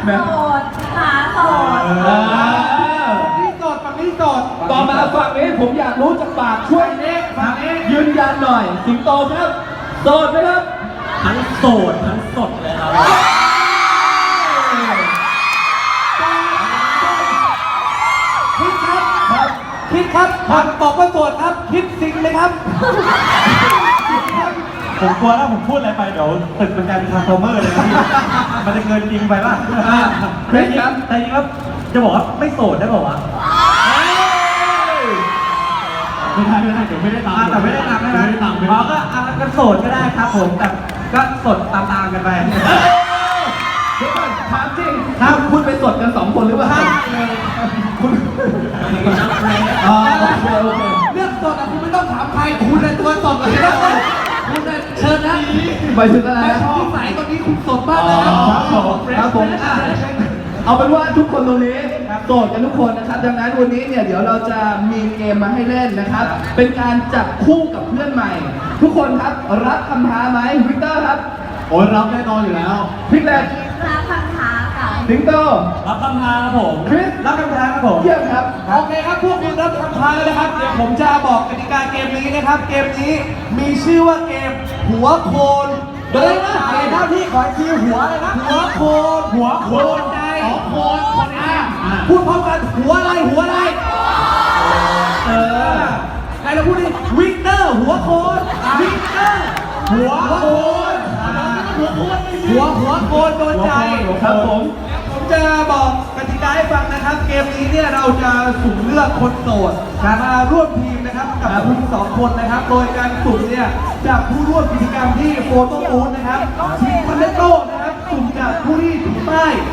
โสดหาโสดนี่โสดฝั่งนี้โสดต่อมาฝั่งนี้ผมอยากรู้จากปากช่วยฝั่งนี้ยืนยันหน่อยสิงโตครับโสดไหมครับทั้งโสดทั้งสดเลยครับคิดครับคิดครับผ่านบอกว่าโสดครับ คิดสิ่งเลยครับผมกลัวถ้าผมพูดอะไรไปเดี๋ยวตึกมันกลายเป็นทรานส์ฟอร์เมอร์เลยนะพี่มันจะเกินจริงไปป่ะเครดครับแต่จริงครับจะบอกว่าไม่โสดได้ป่าวะไม่ได้เดี๋ยวไม่ได้ตามแต่ไม่ได้ตามใช่ไหมไม่ได้ตามอ๋อก็โสดก็ได้ครับผมแต่ก็สดตามๆกันไปเดี๋ยวก่อนถามจริงถ้าคุณไปสดกัน2 คนหรือเปล่าคุณอ๋อโอเคโอเคเรื่องสดอะคุณไม่ต้องถามใครคุณในตัวสดเลยนะคุณเนี่ยเชิญนะไปถึงอะไรไม่นะชอบสายตอนนี้คุณสดมากเลยครับครับผมเอาเป็นว่าทุกคนตรงนี้โสดกันทุกคนนะครับดังนั้นวันนี้เนี่ยเดี๋ยวเราจะมีเกมมาให้เล่นนะครับ เป็นการจับคู่กับเพื่อนใหม่ ทุกคนครับรับคำท้าไหมวิกเตอร์ครับโอ้ยรับแน่นอนอยู่แล้วพิกเลตรับคำท้าค่ะสิงโตรับคำท้าครับผมคริสรับคำท้าครับผมเยี่ยมครับโอเคครับพวกคุณรับคำท้าแล้วนะครับ เดี๋ยวผมจะบอกกติกาเกมนี้นะครับ เกมนี้มีชื่อว่าเกมหัวโคนโดยจ่ายหน้าที่ขออีกทีหัวเลยนะหัวโคนใจโคนพูดพร้อมกันหัวอะไรหัวอะไรใครเราพูดดิวิกเตอร์หัวโคนวิกเตอร์หัวโคนหัวโคนโดนใจครับผมผมจะบอกกติกาให้ฟังนะครับ เกมนี้เนี่ยเราจะสุ่มเลือกคนโสดมาร่วมทีมนะครับกับคุณ2 คนนะครับ โดยการสุ่มเนี่ยจากผู้ร่วมกิจกรรมที่โฟโต้บูธนะครับทีมคอนเนตโต้นะครับสุ่มจากผู้ที่ถือป้าย